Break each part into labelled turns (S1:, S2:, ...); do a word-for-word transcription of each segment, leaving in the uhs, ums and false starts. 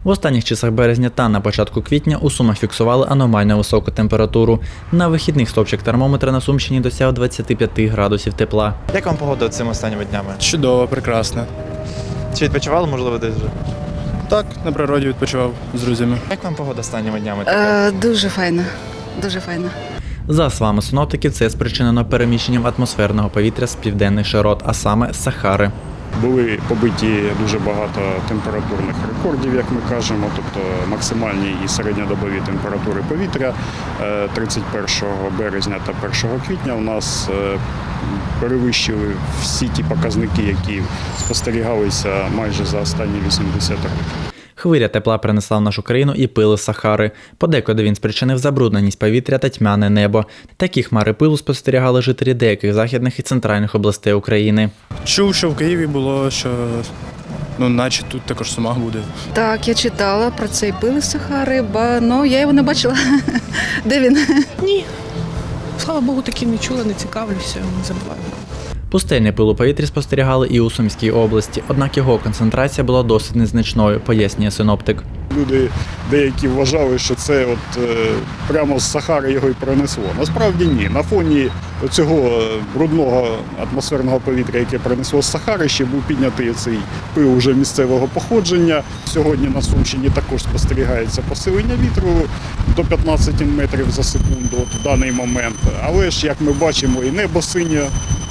S1: В останніх часах березня та на початку квітня у Сумах фіксували аномально високу температуру. На вихідних стовпчик термометра на Сумщині досяг двадцять п'ять градусів тепла.
S2: Як вам погода цими останніми днями?
S3: Чудово, прекрасно.
S2: Чи відпочивали, можливо, десь вже?
S3: Так, на природі відпочивав з друзями.
S2: Як вам погода останніми днями?
S4: Е, дуже файно, дуже файно.
S1: За словами синоптиків, це спричинено переміщенням атмосферного повітря з південних широт, а саме з Сахари.
S5: Були побиті дуже багато температурних рекордів, як ми кажемо, тобто максимальні і середньодобові температури повітря тридцять першого березня та першого квітня у нас перевищили всі ті показники, які спостерігалися майже за останні вісімдесят років.
S1: Хвиля тепла принесла в нашу країну і пил із Сахари. Подекуди він спричинив забрудненість повітря та тьмяне небо. Такі хмари пилу спостерігали жителі деяких західних і центральних областей України.
S3: Чув, що в Києві було, що ну, наче тут також в Сумах буде.
S4: Так, я читала про цей пил із Сахари, ба ну я його не бачила. Де він?
S6: Ні. Слава Богу, таки не чула, не цікавлюся, не забуваю.
S1: Пустельний пил у повітрі спостерігали і у Сумській області, однак його концентрація була досить незначною, пояснює синоптик.
S5: Люди деякі вважали, що це от е, прямо з Сахари його і принесло. Насправді ні. На фоні цього брудного атмосферного повітря, яке принесло з Сахари, ще був піднятий цей пил уже місцевого походження. Сьогодні на Сумщині також спостерігається посилення вітру до п'ятнадцяти метрів за секунду от в даний момент. Але ж, як ми бачимо, і небо синє.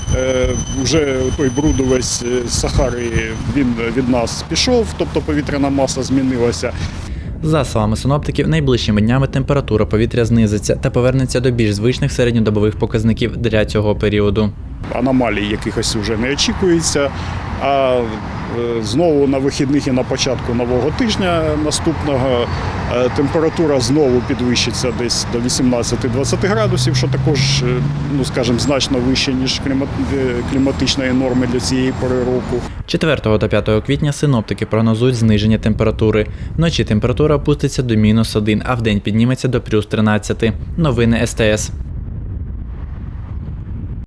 S5: Вже той бруд увесь з Сахари він від нас пішов, тобто повітряна маса змінилася.
S1: За словами синоптиків, найближчими днями температура повітря знизиться та повернеться до більш звичних середньодобових показників для цього періоду.
S5: Аномалій якихось вже не очікується, а знову на вихідних і на початку нового тижня наступного температура знову підвищиться десь до вісімнадцяти-двадцяти градусів, що також, ну скажімо, значно вище, ніж кліматичної норми для цієї пори року.
S1: четвертого та п'ятого квітня синоптики прогнозують зниження температури. Вночі температура опуститься до мінус один, а вдень підніметься до плюс тринадцяти. Новини ес те ес.